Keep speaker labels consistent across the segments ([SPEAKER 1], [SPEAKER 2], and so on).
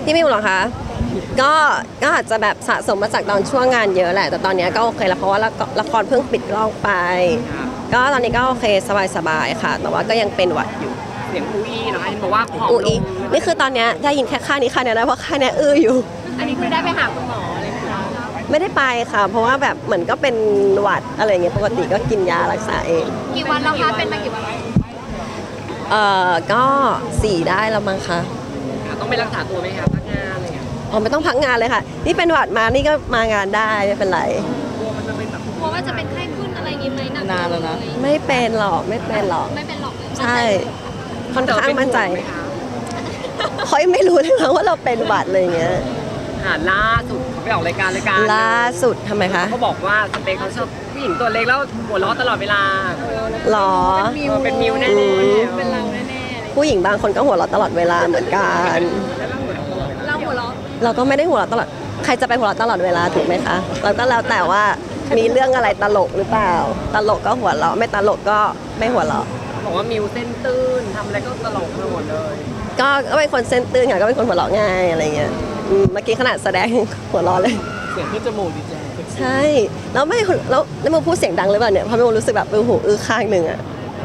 [SPEAKER 1] พี่มิวเหรอคะก็ก็อาจจะแบบสะสมมาจากตอนช่วงงานเยอะแหละแต่ตอนนี้ก็โอเคแล้วเพราะว่าละครเพิ่งปิดกล้องไปก็ตอนนี้ก็โอเคสบายๆค่ะแต่ว่าก็ยังเป็นหวัดอยู่
[SPEAKER 2] เสียงอูอีนะคะเห็นบอกว่าผอมลง
[SPEAKER 1] นี่คือตอนนี้ได้ยินแค่ค่านี้ค่านี้นะเพราะค่านี้อยู่
[SPEAKER 2] อันนี้คือได้ไปหาคุณหมอเลยไหมคะ
[SPEAKER 1] ไม่ได้ไปค่ะเพราะว่าแบบเหมือนก็เป็นหวัดอะไรเงี้ยปกติก็กินยารักษาเอง
[SPEAKER 3] กี่วันแล้วคะเป็นมากี่วัน
[SPEAKER 1] ก็4ได้แล้วมั้งคะ
[SPEAKER 2] ต้องไปรักษาตัวไหมคะพักงานอะไรอย่างเงี้ย
[SPEAKER 1] ไม่ต้องพักงานเลยค่ะนี่เป็นหวัดมานี่ก็มางานได้ไม่เป็นไร
[SPEAKER 2] กลัวมันจะเป็นแบบ
[SPEAKER 3] กลัวว่าจะเป็นไข้ขึ้นอะไรอย่างงี้ไหม
[SPEAKER 2] นานแล้วนะ
[SPEAKER 1] ไม่เป็นหรอก
[SPEAKER 3] ไม่เป็นหรอก
[SPEAKER 1] ใช่ค่อนข้างมั่นใจเขายังไม่รู้เลยนะว่าเราเป็นหวัดเลยเงี้ย
[SPEAKER 2] ล่าสุดเขาไปออกรายการ
[SPEAKER 1] ล่าสุดทำไมคะ
[SPEAKER 2] เขาบอกว่าสเปคเขาชอบผู้หญิงตัวเล็กแล้วหัวเราะตลอดเวลา
[SPEAKER 1] หรอ
[SPEAKER 2] เป็นมิวแน่ๆ
[SPEAKER 3] เป็นเราแน่
[SPEAKER 1] ๆผู้หญิงบางคนก็หัวเราะตลอดเวลาเหมือนกัน
[SPEAKER 3] เราหัวเราะ
[SPEAKER 1] เราก็ไม่ได้หัวเราะตลอดใครจะไปหัวเราะตลอดเวลาถูกไหมคะเราก็แล้วแต่ว่ามีเรื่องอะไรตลกหรือเปล่าตลกก็หัวเราะไม่ตลกก็ไม่หัวเราะ
[SPEAKER 2] บอกว่ามิวเส้นตื้นทำอะไรก็ตลกไปหมดเลย
[SPEAKER 1] ก็เป็นคนเส้นตื้นค่ะก็เป็นคนหัวเราะง่ายอะไรเงี้ยเมื่อกี้ขนาดแสดงหัวเราะเลย
[SPEAKER 2] เสียงขึ้นจมูกดีจัง
[SPEAKER 1] ใช่แล้วไม่แล้วโมพูดเสียงดังหรือเปล่าเนี่ยเพราะโมรู้สึกแบบหูข้างหนึ่งอะ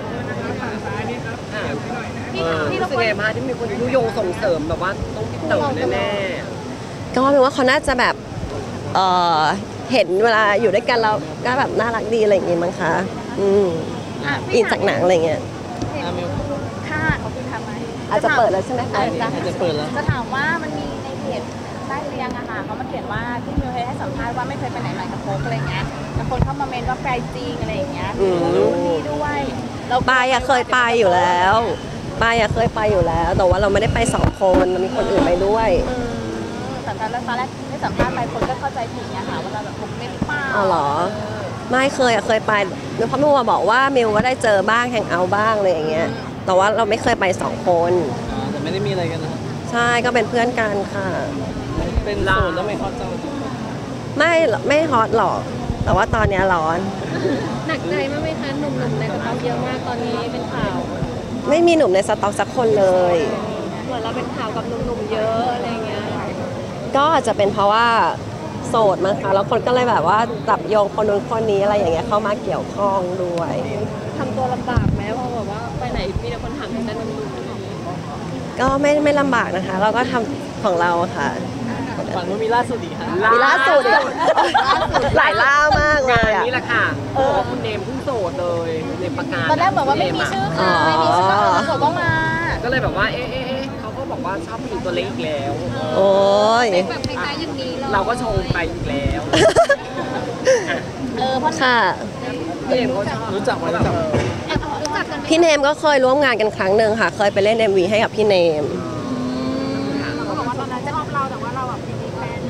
[SPEAKER 2] พี่รู้สึกไงมาที่มีคนยุยงส่งเสริมแบบว่าต้องติดต่อแน่
[SPEAKER 1] ๆก็เป็นว่าเขาน่าจะแบบเห็นเวลาอยู่ด้วยกันเราก็แบบน่ารักดีอะไรอย่างงี้มั้งคะอินจากหนังอะไรเงี้ย
[SPEAKER 3] ค่ะเขาคือทำไหม
[SPEAKER 1] อาจจะเปิดแล้วใช่ไหมคะ
[SPEAKER 2] อาจจะเปิดแล้ว
[SPEAKER 3] จะถามว่ามันมีในเพจใต้เรียงอะค่ะเขามาเขียนว่าที่มิวเคยให้สัมภาษณ์ว่าไม่เคยไปไหนมากับโฟกอะไรเงี้ยแต่คนเข้ามาเมนว่าแฟนจริงอะไรอย่างเงี้ยรู้ดีด้วย
[SPEAKER 1] เราปายเคยไปอยู่แล้วปายเคยไปอยู่แล้วแต่ว่าเราไม่ได้ไป2 คนมีคนอื่นไปด้วย
[SPEAKER 3] แต่ตอนแรกได้สัมภาษณ์ไปคนก็เข้าใจผิดเนี่ยค่ะว่าเราแบบผมไม่เปล่า
[SPEAKER 1] อ๋อเหรอไม่เคยไปเพราะมิวบอกว่ามิวก็ได้เจอบ้างแฮงเอาท์บ้างอะไรอย่างเงี้ยแต่ว่าเราไม่เคยไป2 คน
[SPEAKER 2] แต่ไม่ได้มีอะไรกันนะ
[SPEAKER 1] ใช่ก็เป็นเพื่อนกันค่ะ
[SPEAKER 2] เป็นโสดแล้วไม่ฮอตจัง
[SPEAKER 1] ไม่ฮอตหรอกแต่ว่าตอนนี้ร้อน
[SPEAKER 3] หนักใจมากไหมคะหนุ่มๆในกระเป๋าเยอะมากตอนนี้เป็นข่าว
[SPEAKER 1] ไม่มีหนุ่มในสต็อกสักคนเลย
[SPEAKER 3] เหมือนเราเป็นข่าวกับหนุ่มๆเยอะอะไรเงี้ย
[SPEAKER 1] ก็อาจจะเป็นเพราะว่าโสดมั้งคะแล้วคนก็เลยแบบว่าจับโยงคนนู้นคนนี้อะไรอย่างเงี้ยเข้ามาเกี่ยวข้องด้วย
[SPEAKER 3] ทำตัวลำบากไหมเพราะแบบว่าไปไหนมีแต่คนถามถึงแต่หนุ่ม
[SPEAKER 1] ๆก็ไม่ลำบากนะคะเราก็ทำของเราค่ะ
[SPEAKER 2] ฝันว่ามีล่าสุดอีกค่ะ
[SPEAKER 1] มีล่าสุดหลายล่ามากเลย
[SPEAKER 2] นี่แหละค่ะคุณเนมเพิ่งโสดเลยเนมประกาศ
[SPEAKER 3] ตอนแรกบอกว่าไม่มีชื่อค่ะไม่มีชื่อโสดก็มา
[SPEAKER 2] ก็เลยแบบว่าเขาก็บอกว่าชอบผู้หญิงตัวเล็กอีกแล้ว
[SPEAKER 1] โอ้ย
[SPEAKER 3] แบบคล้ายๆอย่างนี้
[SPEAKER 2] เราก็ชงไปอีกแล้ว
[SPEAKER 1] เพราะค่ะ
[SPEAKER 2] พี่เนมเขารู้จักกัน
[SPEAKER 1] พี่เนมก็เคยร่วมงานกันครั้งหนึ่งค่ะเคยไปเล่น MV ให้กับพี่เนม
[SPEAKER 3] เขาบอกว่าตอนนั้นจะชอบเราแต่ว่าเราแบบมีแฟน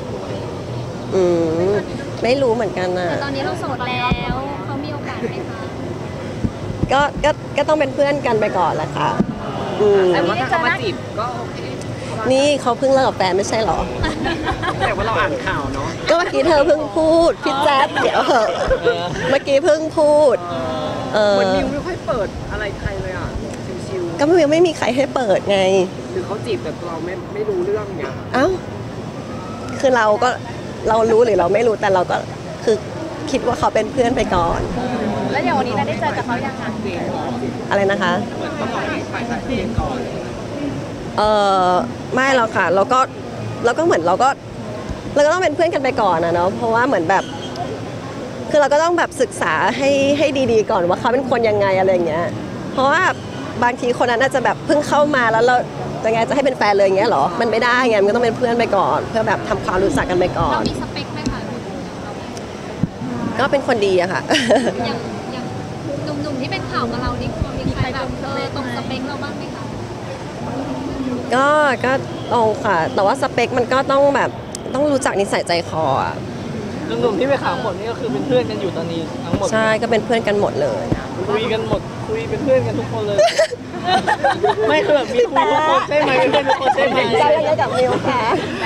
[SPEAKER 1] ไม่รู้เหมือนกันน่ะ
[SPEAKER 3] ตอนนี้เราโสดแล้วเขามีโอกาสไหมคะ
[SPEAKER 1] ก็ต้องเป็นเพื่อนกันไปก่อนแหละค่ะ
[SPEAKER 2] แต่ว่าถ้าเขามาจีบก็โอเค
[SPEAKER 1] นี่เขาเพิ่งเลิกกับแฟนไม่ใช่หรอ
[SPEAKER 2] แต่ว่าเราอ่านข่าวเนาะ
[SPEAKER 1] ก็เมื่อกี้เธอเพิ่งพูดพี่แจ๊บเดี๋ยวเมื่อกี้เพิ่งพูด
[SPEAKER 2] เหมือนมิวไม่ค่อยเปิดอะไรใครเลยอ่ะชิว
[SPEAKER 1] ๆก็มิวไม่มีใครให้เปิดไง
[SPEAKER 2] หรือเขาจีบแต่เราไม่รู้เรื่องเนี้ย
[SPEAKER 1] เอ้าคือเรารู้หรือเราไม่รู้แต่เราก็คือคิดว่าเขาเป็นเพื่อนไปก่อน
[SPEAKER 3] แล้วอย่างวันนี้ได้เจอกับเขายังคะ
[SPEAKER 1] อะไรนะคะ
[SPEAKER 2] เหมือนต้องฝ่ายชายเองก่อน
[SPEAKER 1] ไม่หรอกค่ะเราก็เหมือนเราก็ต้องเป็นเพื่อนกันไปก่อนนะเนาะเพราะว่าเหมือนแบบคือเราก็ต้องแบบศึกษาให้ดีๆก่อนว่าเขาเป็นคนยังไงอะไรอย่างเงี้ยเพราะว่าบางทีคนนั้นอาจจะแบบเพิ่งเข้ามาแล้วเราจะให้เป็นแฟนเลยอย่างเงี้ยหรอมันไม่ได้ไงมันก็ต้องเป็นเพื่อนไปก่อนเพื่อแบบทำความรู้จักกันไปก่อน
[SPEAKER 3] เรามีสเปคไหมคะ
[SPEAKER 1] ก็เป็นคนดีอะค่ะ
[SPEAKER 3] อย่างหนุ่มๆที่เป็นข่าวกับเรานี่มีใครแบบตรงสเปคเราบ้างไหมคะ
[SPEAKER 1] ก็ตรงค่ะแต่ว่าสเปคมันก็ต้องแบบต้องรู้จักนิสัยใจคออ่ะ
[SPEAKER 2] หนุ่มๆที่ไปข่าวหมดนี่ก็คือเป็นเพื่อนกันอยู่ตอนนี้ทั้งหมด
[SPEAKER 1] ใช่ก็เป็นเพื่อนกันหมดเลย
[SPEAKER 2] คุยกันหมดคุยเป็นเพื่อนกันทุกคนเลยไม่คือแบบมีคุยทุกคนใช่ไหมเป็นเพื่อนทุกคนใช่ไหม
[SPEAKER 1] ใจยังไงกับมิวค่ะ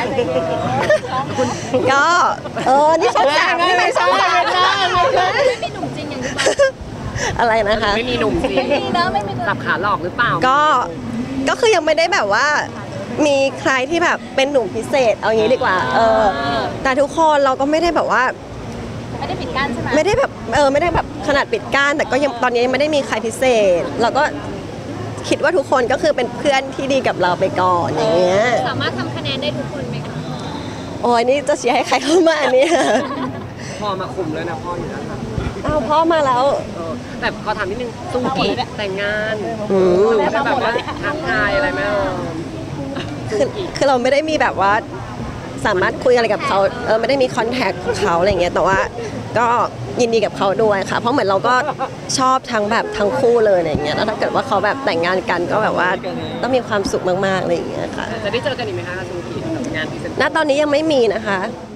[SPEAKER 1] ก็นี่ช่อง3นี่ไม่ช่อง3
[SPEAKER 3] ไม่มีหนุ่มจริงอย่างที่บอก
[SPEAKER 1] อะไรนะคะ
[SPEAKER 2] ไม่มีหนุ่มจริง
[SPEAKER 3] ไม่มีนะไม่มี
[SPEAKER 2] สับขาหลอกหรือเปล่า
[SPEAKER 1] ก็คือยังไม่ได้แบบว่ามีใครที่แบบเป็นหนุ่มพิเศษเอางี้ดีกว่าแต่ทุกคนเราก็ไม่ได้แบบว่า
[SPEAKER 3] ไม่ได้ปิดกั้นใช่ไหม
[SPEAKER 1] ไม่ได้แบบไม่ได้แบบขนาดปิดกั้นแต่ก็ยังตอนนี้ยังไม่ได้มีใครพิเศษเราก็คิดว่าทุกคนก็คือเป็นเพื่อนที่ดีกับเราไปก่อนอย่างเงี้ย
[SPEAKER 4] สามารถทำคะแนนได้ทุกคนไหมคะ
[SPEAKER 1] โอ้ยนี่จะเชียร์ให้ใครเข้ามาเนี่ย
[SPEAKER 2] พ่อมาคุมแล้วนะพ่ออยู่แล้วค่ะ
[SPEAKER 1] อ้าวพ่อมาแล้ว
[SPEAKER 2] แต่ขอถามนิดนึงซูกิแต่งงาน
[SPEAKER 1] อืม
[SPEAKER 2] ได้แบบว่าทักทายอะไรไหม
[SPEAKER 1] คือเราไม่ได้มีแบบว่าสามารถคุยอะไรกับเขาไม่ได้มีคอนแทคของเขาอะไรเงี้ยแต่ว่าก็ยินดีกับเขาด้วยค่ะ เพราะเหมือนเราก็ชอบทั้งแบบทั้งคู่เลยอะไรเงี้ยแล้วถ้าเกิดว่าเขาแบบแต่งงานกันก็แบบว่าต้องมีความสุขมากๆอะไรอย่างเงี้ยค่ะ
[SPEAKER 2] จะได้เจอกันอีกไหมคะซูกิงานพรีเซนเตอร์
[SPEAKER 1] ณตอนนี้ยังไม่มีนะคะ